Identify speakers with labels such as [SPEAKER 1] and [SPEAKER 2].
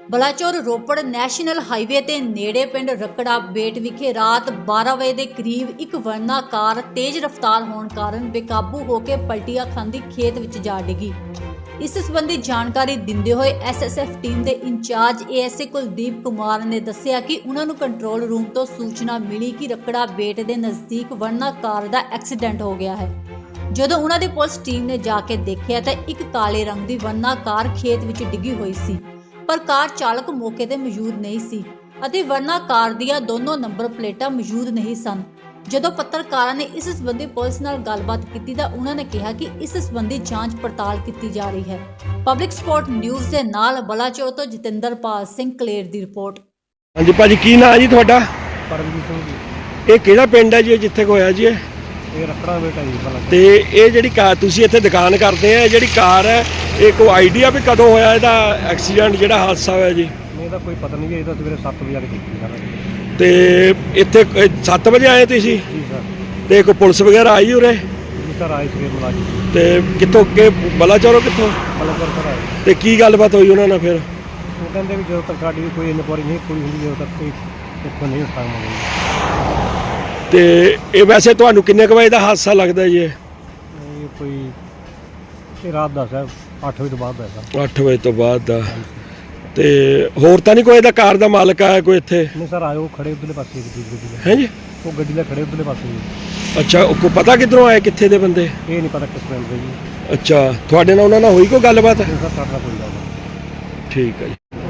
[SPEAKER 1] Balachaur Ropar national highway ਤੇ ਨੇੜੇ ਪਿੰਡ ਰਕੜਾ ਬੇਟ ਵਿਖੇ ਰਾਤ 12 ਵਜੇ ਦੇ ਕਰੀਬ ਇੱਕ ਵਰਨਾ ਕਾਰ ਤੇਜ਼ ਰਫ਼ਤਾਰ ਹੋਣ ਕਾਰਨ ਬੇਕਾਬੂ ਹੋ ਕੇ ਪਲਟੀਆਂ ਖਾਂਦੀ ਖੇਤ ਵਿੱਚ ਜਾ ਡਿੱਗੀ। ਇਸ ਸੰਬੰਧੀ ਜਾਣਕਾਰੀ ਦਿੰਦੇ ਹੋਏ ਐਸਐਸਐਫ ਟੀਮ ਦੇ ਇੰਚਾਰਜ ਏਐਸਏ ਕੁਲਦੀਪ ਕੁਮਾਰ ਨੇ ਦੱਸਿਆ ਕਿ ਉਹਨਾਂ ਨੂੰ ਕੰਟਰੋਲ ਰੂਮ ਤੋਂ ਸੂਚਨਾ ਮਿਲੀ ਕਿ ਰਕੜਾ ਬੇਟ ਦੇ ਨਜ਼ਦੀਕ ਵਰਨਾ ਕਾਰ ਦਾ ਐਕਸੀਡੈਂਟ ਹੋ ਗਿਆ ਹੈ। ਜਦੋਂ ਉਹਨਾਂ ਦੀ ਪੁਲਿਸ ਟੀਮ ਨੇ ਜਾ ਕੇ ਦੇਖਿਆ ਤਾਂ ਇੱਕ ਕਾਲੇ ਰੰਗ ਦੀ ਵਰਨਾ ਕਾਰ ਖੇਤ ਵਿੱਚ ਡਿੱਗੀ ਹੋਈ ਸੀ, ਪਰ ਕਾਰ ਚਾਲਕ ਮੌਕੇ ਤੇ ਮੌਜੂਦ ਨਹੀਂ ਸੀ ਅਤੇ ਵਰਨਾ ਕਾਰ ਦੀਆਂ ਦੋਨੋਂ ਨੰਬਰ ਪਲੇਟਾਂ ਮੌਜੂਦ ਨਹੀਂ ਸਨ। ਜਦੋਂ ਪੱਤਰਕਾਰਾਂ ਨੇ ਇਸ ਸੰਬੰਧੀ ਪੁਲਿਸ ਨਾਲ ਗੱਲਬਾਤ ਕੀਤੀ ਤਾਂ ਉਹਨਾਂ ਨੇ ਕਿਹਾ ਕਿ ਇਸ ਸੰਬੰਧੀ ਜਾਂਚ ਪੜਤਾਲ ਕੀਤੀ ਜਾ ਰਹੀ ਹੈ। ਪਬਲਿਕ ਸਪੋਰਟ ਨਿਊਜ਼ ਦੇ ਨਾਲ ਬਲਾਚੌਰ ਤੋਂ ਜਤਿੰਦਰਪਾਲ ਸਿੰਘ ਕਲੇਰ ਦੀ ਰਿਪੋਰਟ।
[SPEAKER 2] ਹਾਂਜੀ ਭਾਜੀ, ਕੀ ਨਾਂ ਜੀ ਤੁਹਾਡਾ?
[SPEAKER 3] ਪਰਮਜੀਤ ਸਿੰਘ ਜੀ।
[SPEAKER 2] ਇਹ ਕਿਹੜਾ ਪਿੰਡ ਹੈ ਜੀ ਜਿੱਥੇ ਹੋਇਆ ਜੀ
[SPEAKER 3] ਇਹ ਰਕੜਾ ਬੇਟਾ ਜੀ ਭਲਾ।
[SPEAKER 2] ਤੇ ਇਹ ਜਿਹੜੀ ਕਾਰ ਤੁਸੀਂ ਇੱਥੇ ਦੁਕਾਨ ਕਰਦੇ ਆ, ਜਿਹੜੀ ਕਾਰ ਹੈ ਇਹ ਕੋਈ ਆਈਡੀਆ ਵੀ ਕਦੋਂ ਹੋਇਆ ਇਹਦਾ ਐਕਸੀਡੈਂਟ ਜਿਹੜਾ ਹਾਦਸਾ ਹੋਇਆ ਜੀ?
[SPEAKER 3] ਨਹੀਂ ਤਾਂ ਕੋਈ ਪਤਾ ਨਹੀਂ ਜੀ, ਇਹ ਤਾਂ ਸਵੇਰੇ 7 ਵਜੇ ਆ ਕੇ ਦੇਖੀ ਸਾਰਾ।
[SPEAKER 2] ਤੇ ਇੱਥੇ 7 ਵਜੇ ਆਏ ਤੁਸੀਂ
[SPEAKER 3] ਜੀ ਸਰ।
[SPEAKER 2] ਤੇ ਕੋਈ ਪੁਲਿਸ ਵਗੈਰਾ ਆਈ ਉਰੇ?
[SPEAKER 3] ਜੀ ਸਰ ਆਏ ਸਵੇਰ ਮੁਲਾਜ਼ਮ।
[SPEAKER 2] ਤੇ ਕਿੱਥੋਂ ਕਿ ਬਲਾਚੌਰੋਂ ਕਿੱਥੋਂ?
[SPEAKER 3] ਬਲਾਚੌਰ ਸਰ ਆਏ।
[SPEAKER 2] ਤੇ ਕੀ ਗੱਲਬਾਤ ਹੋਈ ਉਹਨਾਂ ਨਾਲ ਫਿਰ?
[SPEAKER 3] ਉਹ ਕਹਿੰਦੇ ਵੀ ਜਦੋਂ ਤੱਕ ਸਾਡੀ ਕੋਈ ਇਨਕੁਆਰੀ ਨਹੀਂ ਪੂਰੀ ਹੁੰਦੀ ਜਦੋਂ ਤੱਕ ਕੋਈ ਇੱਥੋਂ ਨਹੀਂ ਉਠਾਵਾਂਗੇ।
[SPEAKER 2] ਤੇ ਇਹ ਵੈਸੇ ਤੁਹਾਨੂੰ ਕਿੰਨੇ ਕੁ ਵਜੇ ਦਾ ਹਾਦਸਾ ਲੱਗਦਾ ਜੀ?
[SPEAKER 3] ਇਹ ਕੋਈ ਇਹ ਰਾਤ ਦਾ ਸਰ 8 ਵਜੇ ਤੋਂ ਬਾਅਦ ਦਾ ਸਰ।
[SPEAKER 2] 8 ਵਜੇ ਤੋਂ ਬਾਅਦ ਦਾ। ਤੇ ਹੋਰ ਤਾਂ ਨਹੀਂ ਕੋਈ ਇਹਦਾ ਕਾਰ ਦਾ ਮਾਲਕ ਆਇਆ ਕੋਈ ਇੱਥੇ?
[SPEAKER 3] ਨਹੀਂ ਸਰ ਆਏ, ਉਹ ਖੜੇ ਉਧਰਲੇ ਪਾਸੇ ਗੱਡੀ ਦੇ।
[SPEAKER 2] ਹੈ ਜੀ?
[SPEAKER 3] ਉਹ ਗੱਡੀ ਦੇ ਖੜੇ ਉਧਰਲੇ ਪਾਸੇ ਜੀ।
[SPEAKER 2] ਅੱਛਾ, ਉਹ ਕੋ ਪਤਾ ਕਿੱਧਰੋਂ ਆਏ, ਕਿੱਥੇ ਦੇ ਬੰਦੇ?
[SPEAKER 3] ਇਹ ਨਹੀਂ ਪਤਾ ਕਿਸ ਪਿੰਡ ਦੇ ਜੀ।
[SPEAKER 2] ਅੱਛਾ, ਤੁਹਾਡੇ ਨਾਲ ਉਹਨਾਂ ਨਾਲ ਹੋਈ ਕੋਈ ਗੱਲਬਾਤ?
[SPEAKER 3] ਨਹੀਂ ਸਰ, ਸਾਡਾ ਕੋਈ ਗੱਲ ਨਹੀਂ।
[SPEAKER 2] ਠੀਕ ਹੈ ਜੀ।